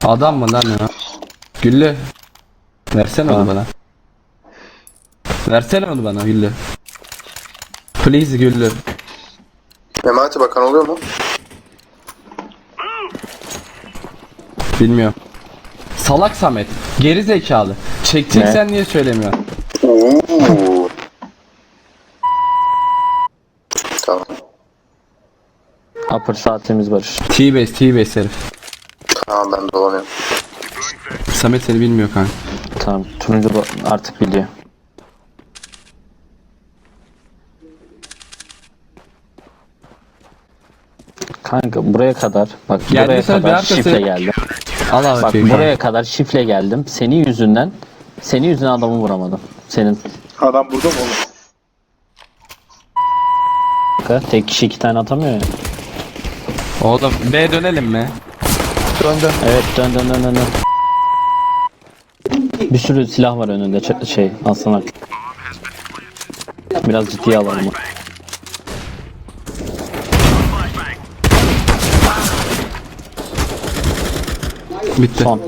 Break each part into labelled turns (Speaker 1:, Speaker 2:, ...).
Speaker 1: Adam mı lan ya? Güllü. Versene onu bana. Versene onu bana Güllü. Please Güllü.
Speaker 2: Memati bakan oluyor mu?
Speaker 1: Bilmiyorum. Salak Samet. Geri zekalı. Çekeceksen niye söylemiyorsun?
Speaker 2: Oo. Tamam.
Speaker 3: Upper saatimiz var.
Speaker 1: T-base herif.
Speaker 2: Tamam ben dolanıyorum.
Speaker 1: Samet seni bilmiyor kanka.
Speaker 3: Tamam. Turuncu artık biliyor. Kanka buraya kadar bak buraya
Speaker 1: Geldiysen bir
Speaker 3: kadar
Speaker 1: arkası-
Speaker 3: şifle geldim.
Speaker 1: Allah
Speaker 3: Bak
Speaker 1: bakayım.
Speaker 3: buraya kadar şifle geldim. Senin yüzünden adamı vuramadım. Senin
Speaker 4: Adam burada mı oğlum?
Speaker 3: kanka tek kişi 2 tane atamıyor ya.
Speaker 1: Oğlum B dönelim mi?
Speaker 4: Döndüm.
Speaker 3: Evet dön. Bir sürü silah var önünde Aslan Ak. Biraz ciddiye alalım.
Speaker 1: Bitti.
Speaker 3: Son.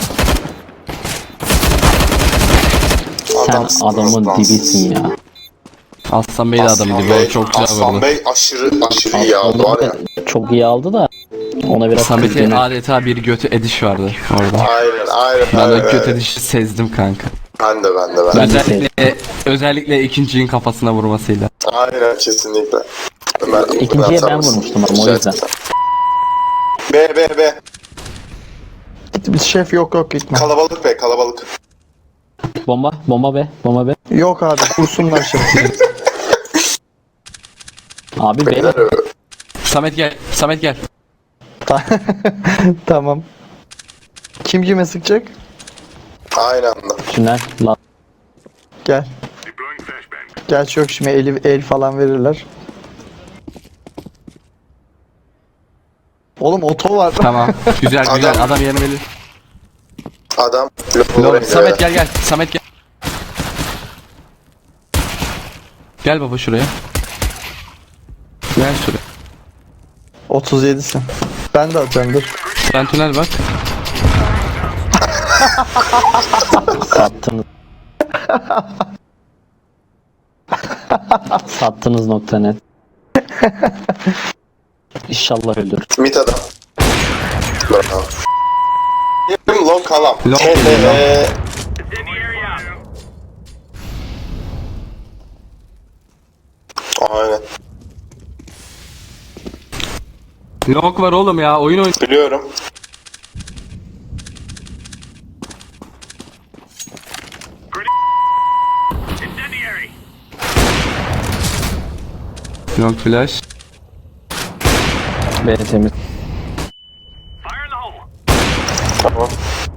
Speaker 3: Sen
Speaker 2: Adamsın,
Speaker 3: adamın
Speaker 2: adamsın.
Speaker 3: dibisin ya.
Speaker 1: Aslan Bey de adam gibi. O çok güzel
Speaker 2: Aslan
Speaker 1: vurdu.
Speaker 2: Bey aşırı iyi aldı var ya.
Speaker 3: Çok iyi aldı da ona biraz
Speaker 1: Samet'e
Speaker 3: kızdığını.
Speaker 1: adeta bir götü ediş vardı orada.
Speaker 2: Aynen.
Speaker 1: Ben o göt edişi sezdim kanka.
Speaker 2: Ben de.
Speaker 3: Ben de
Speaker 1: Özellikle ikincinin kafasına vurmasıyla.
Speaker 2: Aynen kesinlikle.
Speaker 3: İkinciye ben vurmuştum ama o yüzden.
Speaker 2: B.
Speaker 4: Biz şef yok gitme.
Speaker 2: Kalabalık.
Speaker 3: Bomba be.
Speaker 4: Yok abi kursunlar şefi.
Speaker 3: Abi
Speaker 2: Beyler,
Speaker 1: Samet gel.
Speaker 4: Tamam. Kim kime sıkacak?
Speaker 2: aynı anda.
Speaker 3: tünel la.
Speaker 4: Gel. Gerçi yok şimdi el falan verirler. Oğlum oto var.
Speaker 1: Tamam. Güzel. Adam yerini bilir.
Speaker 2: Adam.
Speaker 1: Samet gel. Samet gel. Gel baba şuraya. Gel şuraya.
Speaker 4: 37'sin. Ben de atıyorum dur.
Speaker 1: Sen tünel bak.
Speaker 3: Sattınız. Sattınız .net. İnşallah öldür.
Speaker 2: Mit adam. Bravo. Long kalam.
Speaker 1: Long.
Speaker 2: Aynen.
Speaker 1: Long var oğlum ya. Oyun.
Speaker 2: Biliyorum.
Speaker 1: Long flash.
Speaker 3: B temiz.
Speaker 2: Tamam.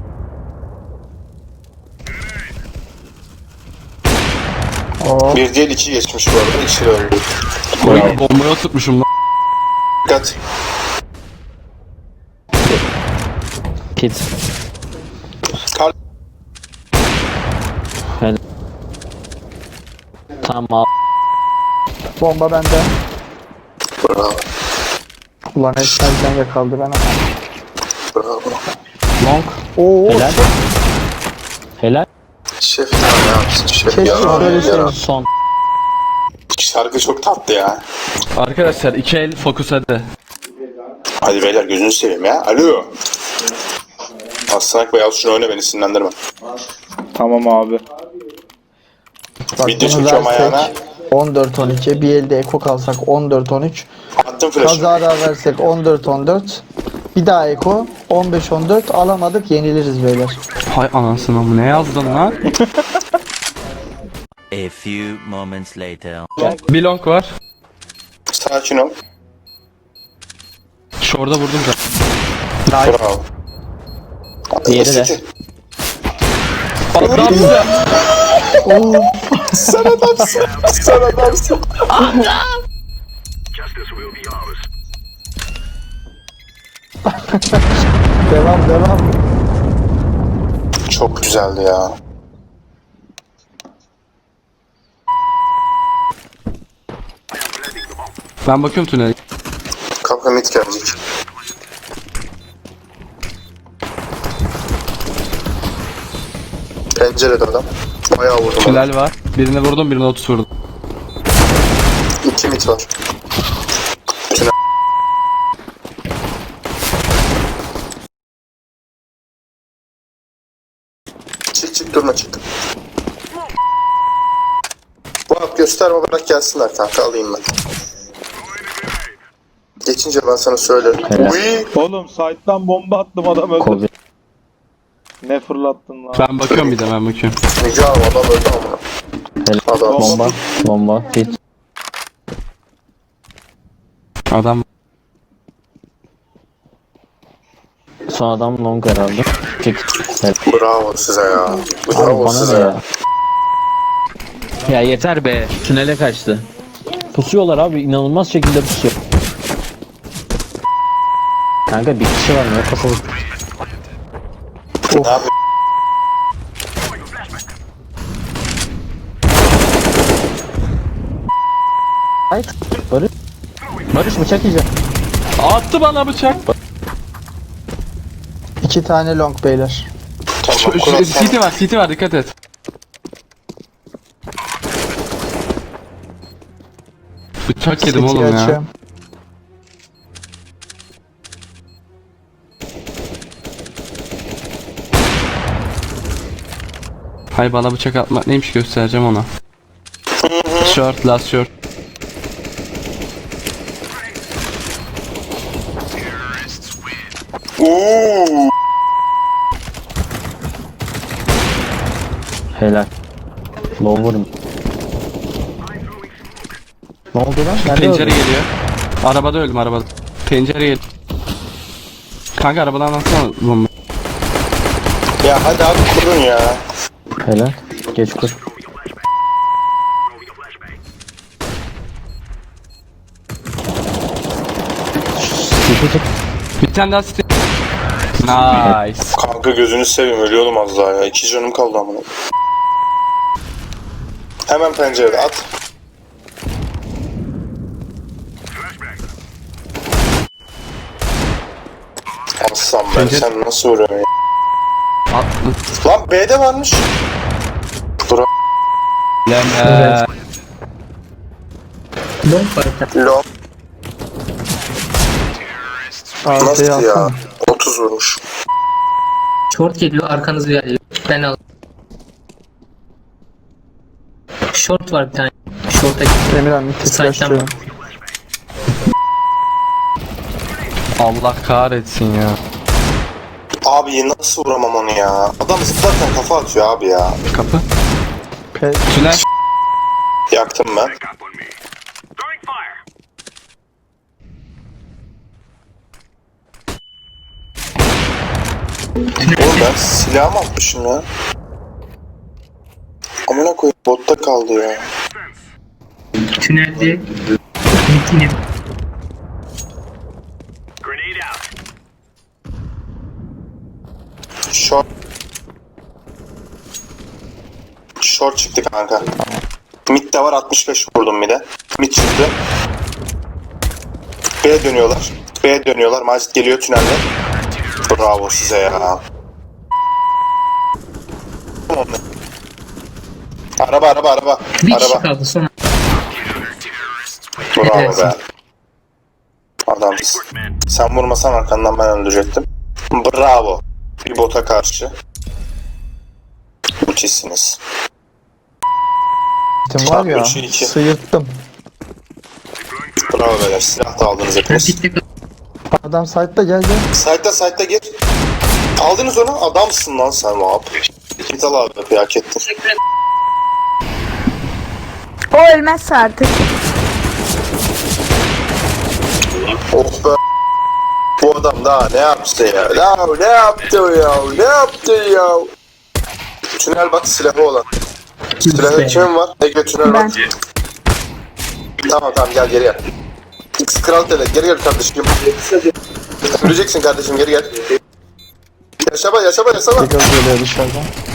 Speaker 4: Oo.
Speaker 2: Bir değil iki geçmiş bu arada. İkisi de öldü.
Speaker 1: Oyun bombaya tutmuşum lan.
Speaker 2: Dikkat.
Speaker 3: Kit.
Speaker 2: Kar
Speaker 3: Helal. Tamam.
Speaker 4: Bomba bende.
Speaker 2: Bravo.
Speaker 4: Ulan esnerken yakaladı ben ama.
Speaker 2: Bravo.
Speaker 1: Long.
Speaker 4: Oo.
Speaker 3: Helal. Helal.
Speaker 2: Şef ne yapsın? Şef
Speaker 4: Keşke
Speaker 2: ya.
Speaker 4: söylesene.
Speaker 3: Son.
Speaker 2: Şarkı çok tatlı ya.
Speaker 1: Arkadaşlar 2 el fokus hadi.
Speaker 2: Hadi beyler gözünü seveyim ya. Alo. Aslan Bey al şunu oyna beni sinirlendirme.
Speaker 4: Tamam abi. Bak
Speaker 2: Video
Speaker 4: bunu
Speaker 2: çekiyorum ayağına.
Speaker 4: versek 14-12. Bir elde eko kalsak 14-13.
Speaker 2: Attım flash'ı.
Speaker 4: Kazara versek 14-14. Bir daha eko 15-14 alamadık yeniliriz beyler.
Speaker 1: Hay anasını mı ne yazdın lan?
Speaker 5: A few moments later.
Speaker 1: Bir long var.
Speaker 2: Sakin ol.
Speaker 1: Şurada vurdum da.
Speaker 2: Bravo.
Speaker 3: Diğeri de.
Speaker 2: Eski.
Speaker 1: Adamsın.
Speaker 2: Sen adamsın. Sen adamsın.
Speaker 4: Devam.
Speaker 2: Çok güzeldi ya.
Speaker 1: Ben bakıyorum tünele.
Speaker 2: Kapı mit gelecek. Pencerede adam. Bayağı vurdum onu.
Speaker 1: Tünel var. Birine vurdum, birine 30 vurdum.
Speaker 2: 2 mit var. Tünel. Çık durma çık. Vahap gösterme, bırak gelsinler kanka, alayım ben. Geçince ben sana söylerim.
Speaker 3: Helal.
Speaker 2: Uy.
Speaker 6: Oğlum site'dan bomba attım adam öldü.
Speaker 3: Kobe.
Speaker 6: Ne fırlattın lan?
Speaker 1: Ben bakıyorum bir de, ben bakıyorum.
Speaker 2: Müge abi adam öldü ama.
Speaker 3: Helal.
Speaker 2: Adam.
Speaker 3: Bomba. Bomba. Hit.
Speaker 1: Adam
Speaker 3: Son adam long herhalde. Çek. Helal.
Speaker 2: Bravo size ya.
Speaker 3: Abi
Speaker 2: Bravo
Speaker 3: bana
Speaker 2: size
Speaker 3: ne
Speaker 2: ya.
Speaker 3: ya? Ya yeter be. Tünele kaçtı. Pusuyorlar abi. İnanılmaz şekilde pusuyor. Kanka bir kişi var mı? Ya kapalı.
Speaker 2: Ne yapayım?
Speaker 3: Hayır. Barış. Barış bıçak yiyecek.
Speaker 1: attı bana bıçak.
Speaker 4: 2 tane long beyler.
Speaker 2: Tamam, kurasam.
Speaker 1: CT var, dikkat et. Bıçak yedim
Speaker 4: City'yi
Speaker 1: oğlum ya.
Speaker 4: açıyorum.
Speaker 1: Hay bana bıçak atmak neymiş göstereceğim ona. Short, last short.
Speaker 2: Uuu.
Speaker 3: Helal. Lower mı? Ne oldu lan? Nerede
Speaker 1: Pencere
Speaker 3: öldün?
Speaker 1: geliyor. Arabada öldüm, arabada. Pencere geliyor. Kanka arabadan atsana bomba.
Speaker 2: Ya hadi abi kurun ya.
Speaker 3: Helal. Geç kur. Çık.
Speaker 1: Bir tane daha city. Nice.
Speaker 2: Kanka gözünü seveyim, ölüyordum az daha ya. 2 canım kaldı ama. Hemen pencerede at. Aslan ben
Speaker 1: Pencere-
Speaker 2: sen nasıl vuruyorsun ya?
Speaker 1: Attı.
Speaker 2: Lan B'de varmış. Bura
Speaker 1: Lan
Speaker 2: long.
Speaker 4: Arkaya
Speaker 2: Nasıl ya?
Speaker 4: atsana.
Speaker 2: 30 vurmuş.
Speaker 7: Short geliyor, arkanız geliyor. Ben al. Short var bir tane. Short'a gitti.
Speaker 4: Emirhan bir tek
Speaker 7: Site'den
Speaker 4: başlıyorum.
Speaker 1: Allah kahretsin ya.
Speaker 2: Abi nasıl vuramam onu ya? Adam zıplarken kafa atıyor abi ya.
Speaker 1: Kapı.
Speaker 4: Pe
Speaker 1: Tünel.
Speaker 2: Yaktım ben. Oğlum ben silahımı atmışım ya. Amına koyayım, botta kaldı ya.
Speaker 7: Tünelde mitini.
Speaker 2: Short. Short çıktı kanka. Mid de var, 65 vurdum mid'e. Mid çıktı. B'ye dönüyorlar. B'ye dönüyorlar. Macit geliyor tünelde. Bravo size ya. Araba.
Speaker 7: Bir kişi
Speaker 2: Araba.
Speaker 7: kaldı son.
Speaker 2: Bravo
Speaker 7: Evet.
Speaker 2: be. Adamsın. Sen vurmasan arkandan ben öldürecektim. Bravo. Bir bota karşı. Müthişsiniz.
Speaker 4: Tim var ya.
Speaker 2: 3-2.
Speaker 4: Sıyırttım.
Speaker 2: Bravo beyler. Silah da aldınız hepiniz.
Speaker 7: Bitti.
Speaker 4: Adam site'da geldi.
Speaker 2: Site'da gir. Aldınız onu. Adamsın lan sen Vahap. Kital abi hak ettin.
Speaker 8: O ölmezse artık.
Speaker 2: Oh be. Bu adam daha ne yaptı ya? Ne yaptı ya? Tünel bak, silahı olan. Silahı kim var? Ege tünel
Speaker 8: Ben.
Speaker 2: bak. Tamam gel geri. X kral tele geri kardeşim. Öleceksin kardeşim, geri gel. Yaşama.
Speaker 4: Tekrar geliyor dışarıdan.